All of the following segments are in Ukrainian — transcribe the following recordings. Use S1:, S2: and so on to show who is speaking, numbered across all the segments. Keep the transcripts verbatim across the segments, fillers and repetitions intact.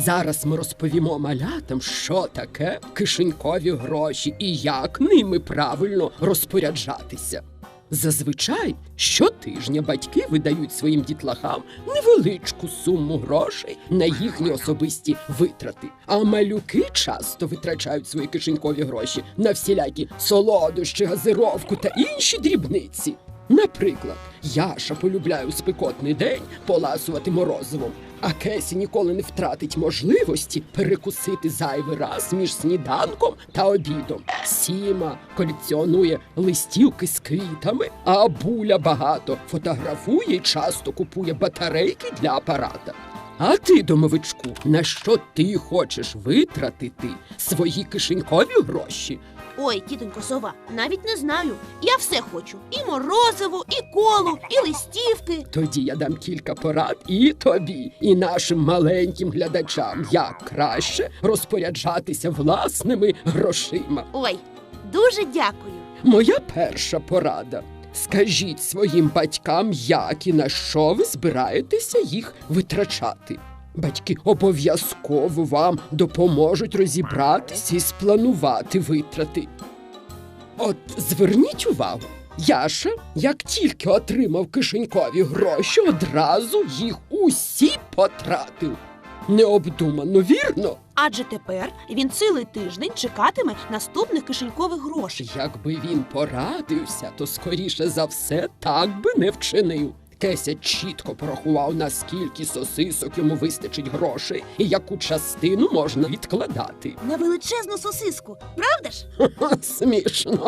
S1: Зараз ми розповімо малятам, що таке кишенькові гроші і як ними правильно розпоряджатися. Зазвичай щотижня батьки видають своїм дітлахам невеличку суму грошей на їхні особисті витрати. А малюки часто витрачають свої кишенькові гроші на всілякі солодощі, газировку та інші дрібниці. Наприклад, Яша полюбляє у спекотний день поласувати морозивом, а Кесі ніколи не втратить можливості перекусити зайвий раз між сніданком та обідом. Сіма колекціонує листівки з квітами, а Буля багато фотографує і часто купує батарейки для апарата. А ти, домовичку, на що ти хочеш витратити свої кишенькові гроші?
S2: Ой, тітонько Сова, навіть не знаю. Я все хочу. І морозиво, і колу, і листівки.
S1: Тоді я дам кілька порад і тобі, і нашим маленьким глядачам, як краще розпоряджатися власними грошима.
S2: Ой, дуже дякую.
S1: Моя перша порада. Скажіть своїм батькам, як і на що ви збираєтеся їх витрачати. Батьки обов'язково вам допоможуть розібратися і спланувати витрати. От зверніть увагу, Яша, як тільки отримав кишенькові гроші, одразу їх усі потратив. Необдумано, вірно?
S2: Адже тепер він цілий тиждень чекатиме наступних кишенькових грошей.
S1: Якби він порадився, то скоріше за все так би не вчинив. Кеся чітко порахував, наскільки сосисок йому вистачить грошей і яку частину можна відкладати.
S2: На величезну сосиску, правда ж?
S1: Ха-ха, смішно.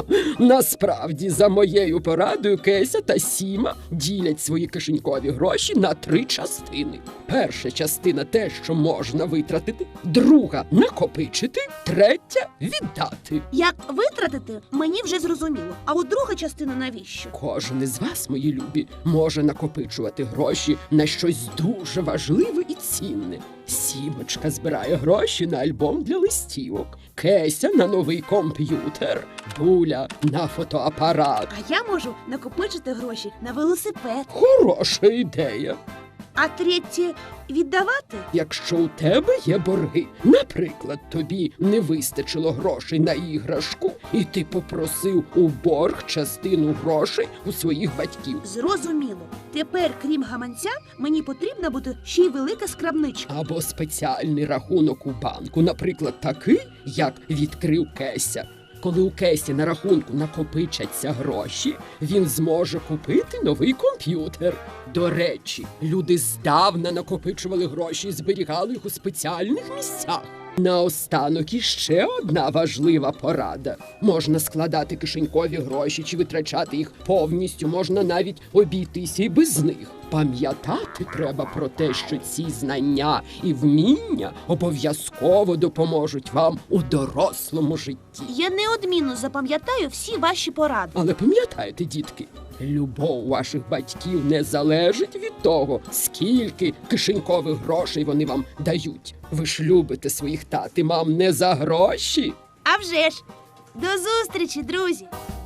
S1: Насправді, за моєю порадою, Кеся та Сіма ділять свої кишенькові гроші на три частини. Перша частина – те, що можна витратити, друга – накопичити, третя – віддати.
S2: Як витратити, мені вже зрозуміло. А от друга частина навіщо?
S1: Кожен із вас, мої любі, може накопичувати гроші на щось дуже важливе і цінне. Сімочка збирає гроші на альбом для листівок, Кеся на новий комп'ютер, Буля на фотоапарат.
S2: А я можу накопичити гроші на велосипед.
S1: Хороша ідея.
S2: А третє – віддавати?
S1: Якщо у тебе є борги, наприклад, тобі не вистачило грошей на іграшку, і ти попросив у борг частину грошей у своїх батьків.
S2: Зрозуміло. Тепер, крім гаманця, мені потрібна буде ще й велика скарбничка.
S1: Або спеціальний рахунок у банку, наприклад, такий, як відкрив Кеся. Коли у Кесі на рахунку накопичаться гроші, він зможе купити новий комп'ютер. До речі, люди здавна накопичували гроші і зберігали їх у спеціальних місцях. Наостанок іще одна важлива порада. Можна складати кишенькові гроші чи витрачати їх повністю, можна навіть обійтися і без них. Пам'ятати треба про те, що ці знання і вміння обов'язково допоможуть вам у дорослому житті.
S2: Я неодмінно запам'ятаю всі ваші поради.
S1: Але пам'ятайте, дітки, любов ваших батьків не залежить від того, скільки кишенькових грошей вони вам дають. Ви ж любите своїх тат і мам не за гроші.
S2: А вже ж! До зустрічі, друзі!